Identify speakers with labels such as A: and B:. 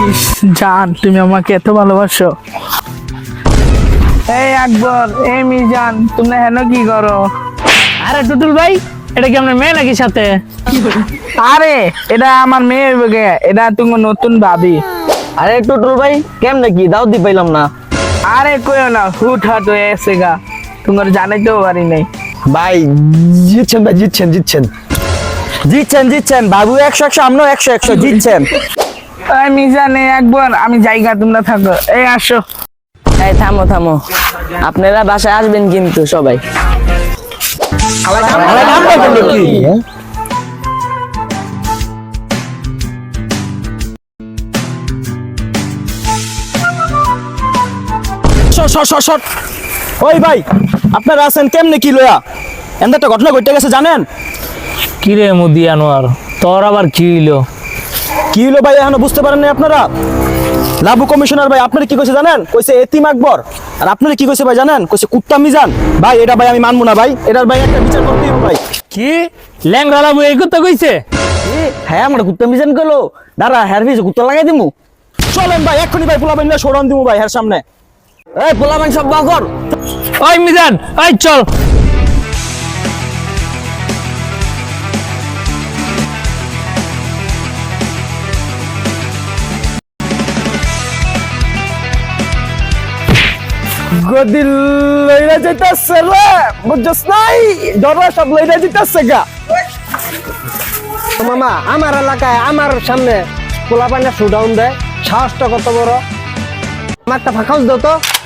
A: জান তুমি আমাকে এত ভালোবাসো। এই আকবর, এই মিজান, তুমি হেন কি করো?
B: আরে টুটুল ভাই, এটা কি আপনার মেয়ে নাকি সাথে?
A: আরে এটা আমার মেয়ে হইবে গে, এটা তুমি নতুন ভাবি।
C: আরে টুটুল ভাই কেমনে কি দাও দি পাইলাম না।
A: আরে কইও না, হুট হাট হয়ে এসে গা, তোমার জানাইতেও পারি নাই।
C: ভাই জিতছেন ভাই, জিতছেন জিতছেন জিতছেন জিতছেন বাবু 100 আমরাও 100 জিতছেন।
A: এই মিজান, এই আকবর, আমি জায়গা তোমরা থাকো, এই আসো।
C: এই থামো থামো, আপনারা বাসায় আসবেন কিন্তু সবাই।
D: ওই ভাই আপনারা আছেন কেমনে কি লয়া? এমন একটা ঘটনা ঘটে গেছে জানেন?
B: কি রে মুদি আনোয়ার, তোর আবার কি হইলো?
D: কি হলো ভাই এখনো বুঝতে পারেন না আপনারা? লাবু কমিশনার ভাই আপনারা কি কইছে জানেন? কইছে এতিম আকবর। আর আপনারা কি কইছে ভাই জানেন? কইছে কুত্তা মিজান। ভাই এটা ভাই আমি মানবো না ভাই, এটার ভাই একটা বিচার করতেই হবে ভাই।
B: কি ল্যাংড়া লাবু এই কথা কইছে?
C: হ্যাঁ আমরা কুত্তা মিজান করলো, দাঁড়া হ্যার পিছে কুত্তা লাগাই দিমু।
D: চলেন ভাই এক্ষুনি ভাই পোলাবেন না সরান দিমু ভাই এর সামনে।
C: এই পোলাবেন সব বাকর।
B: ওই মিজান, ওই চল।
D: গদি লইরা যাইতাছে রে, বুঝছস নাই? ডরা সব লইরা যাইতাছে গা।
C: মামা আমার এলাকায় আমার সামনে পোলাপানের শোডাউন দেয়, সাহসটা কত বড়। আমার একটা ফাঁকাউস দাও তো।